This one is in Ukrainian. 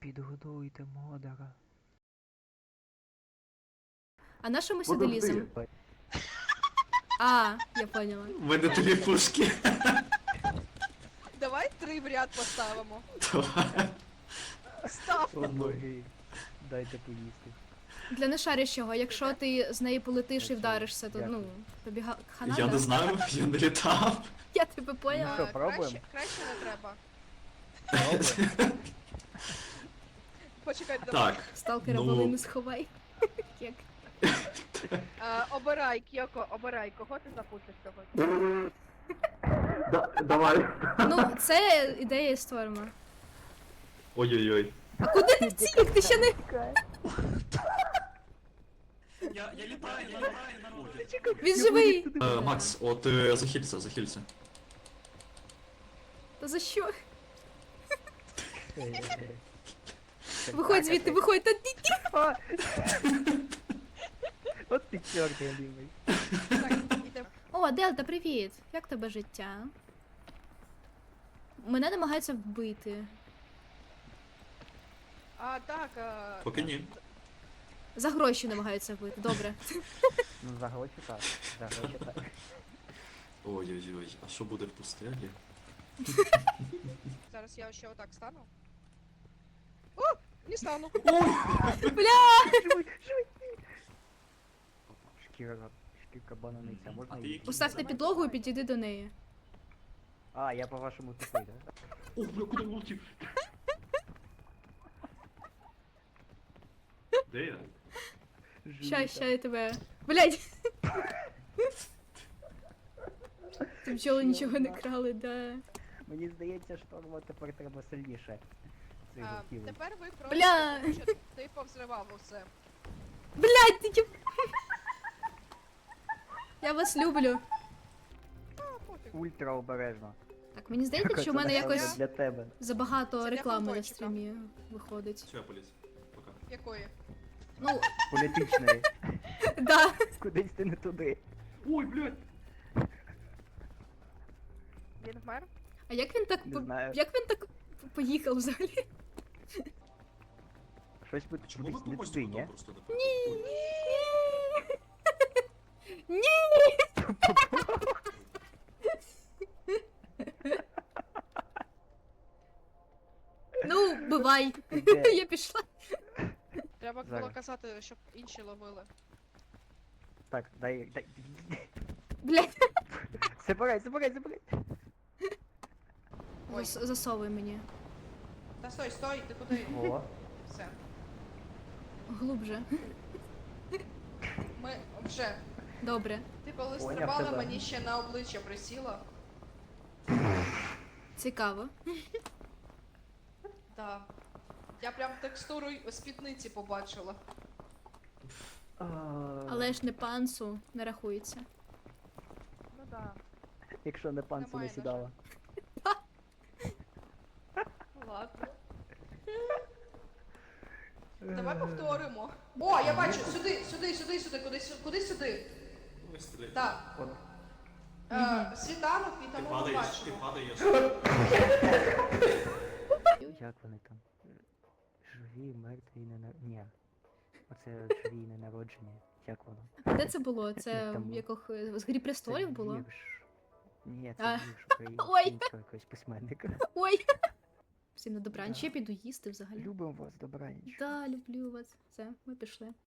Підгодуйте модера. А на що ми сюди ліземо? А, я поняла. У мене дві пушки. Давай 3 в ряд поставимо. Давай. Став. Ноги. Дайте поїсти. Для нешарящого, якщо ти з неї полетиш і вдаришся, то ну, тобі хана, Я да? не знаю, я не літав. Я тебе поняла. що, пробуємо? Краще не треба. Пробуй. Почекай, давай. Так. Сталкера Ну. волину сховай. Як? Обирай, Кьоко, обирай, кого ти запустиш сьогодні? Давай. Ну, це ідея створена. Ой-ой-ой. А куди ти втік? Ти ще не... Я літаю, нормально. Він живий! Макс, от захилься. Та за що? Виходь звідти, виходь, та ти... А! От ти чорт, я любий. Так, іде. О, Дельта, привіт! Як тебе життя? Мене намагаються вбити. А, так, Поки ні. За гроші намагаються вбити, добре. Ну, за гроші так. За гроші так. Ой-ой-ой, а що буде в пустелі? зараз я ще отак стану. О, не стану. Шкірка бананиця, можна А ти її? який? Поставте підлогу і підійди до неї. А, я по-вашому тупий, да? О, бля, куди влетів? Де я? Ща я тебе... Блядь! Ти бджоли нічого не крали, да. Мені здається, шторма тепер треба сильніше. Цих гуртів. Тепер ви просто, Бля. тому що ти повзривав усе. Блядь, ти тіп... Я вас люблю. А, пофіг. Ультра обережно. Так, мені здається, що в мене Це якось для тебе. забагато Це для реклами на футбольчика. стрімі виходить. Все, я поліз. Пока. Якої? Ну, Політичної. да. Кудись ти не туди. Ой, блядь! Він вмер? А як він так Не знаю. як він так поїхав взагалі? Щось буде Чому ми кудись по не мостику туди, там ні? просто не Ні! Ні. Ну, бувай. Де? Я пішла. Треба було Зараз. казати, щоб інші ловили. Так, дай. Блядь, Забирай. Ой. засовуй мені. Та стой, ти куди? О, Все. Глубже. Ми вже. Добре. Ти коли Поняв стрибала, тебе. мені ще на обличчя присіла. Цікаво. Да. Я прям текстуру спідниці побачила. Але ж не пансу не рахується. Ну да. Якщо не панцу не Немає, сідала. Ладно. Давай повторимо. О, я бачу! Сюди, куди сюди? Вистріли. Так. От. Світанок і Ти тому ми падаєш, ти бачимо. падаєш. Як вони там? Живі, мертві, Ні. Оце живі і ненароджені. Як воно? Де це було? Це Там в яких з Грі престолів Це було? вірш. Ні, А. це вірш українського якогось письменника. Ой. Всім на добраніч, я піду їсти взагалі. Любимо вас, добраніч. Да, люблю вас. Все, ми пішли.